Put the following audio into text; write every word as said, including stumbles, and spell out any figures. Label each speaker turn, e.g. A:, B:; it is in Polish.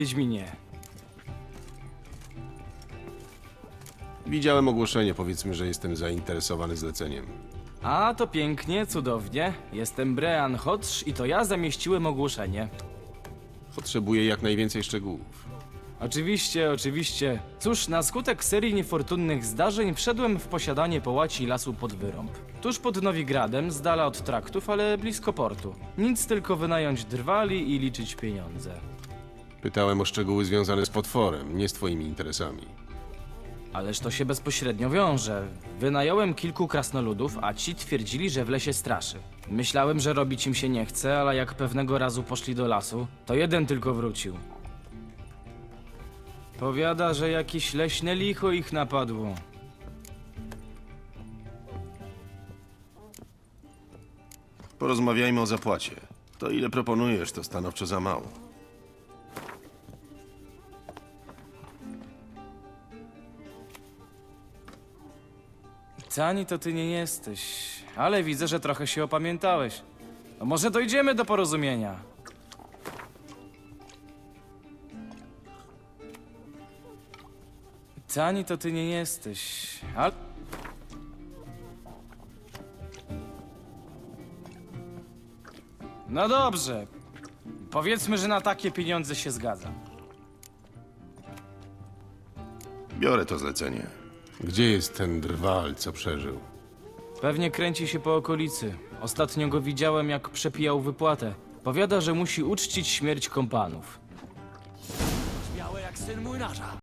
A: Wiedźminie.
B: Widziałem ogłoszenie, powiedzmy, że jestem zainteresowany zleceniem.
A: A, to pięknie, cudownie. Jestem Brean Hodge i to ja zamieściłem ogłoszenie.
B: Potrzebuję jak najwięcej szczegółów.
A: Oczywiście, oczywiście. Cóż, na skutek serii niefortunnych zdarzeń wszedłem w posiadanie połaci lasu pod Wyrąb. Tuż pod Nowigradem, z dala od traktów, ale blisko portu. Nic, tylko wynająć drwali i liczyć pieniądze.
B: Pytałem o szczegóły związane z potworem, nie z twoimi interesami.
A: Ależ to się bezpośrednio wiąże. Wynająłem kilku krasnoludów, a ci twierdzili, że w lesie straszy. Myślałem, że robić im się nie chce, ale jak pewnego razu poszli do lasu, to jeden tylko wrócił. Powiada, że jakieś leśne licho ich napadło.
B: Porozmawiajmy o zapłacie. To ile proponujesz, to stanowczo za mało.
A: Tani to ty nie jesteś, ale widzę, że trochę się opamiętałeś. No może dojdziemy do porozumienia. Tani to ty nie jesteś, ale... No dobrze. Powiedzmy, że na takie pieniądze się zgadzam.
B: Biorę to zlecenie. Gdzie jest ten drwal, co przeżył?
A: Pewnie kręci się po okolicy. Ostatnio go widziałem, jak przepijał wypłatę. Powiada, że musi uczcić śmierć kompanów.
C: Białe jak syn młynarza.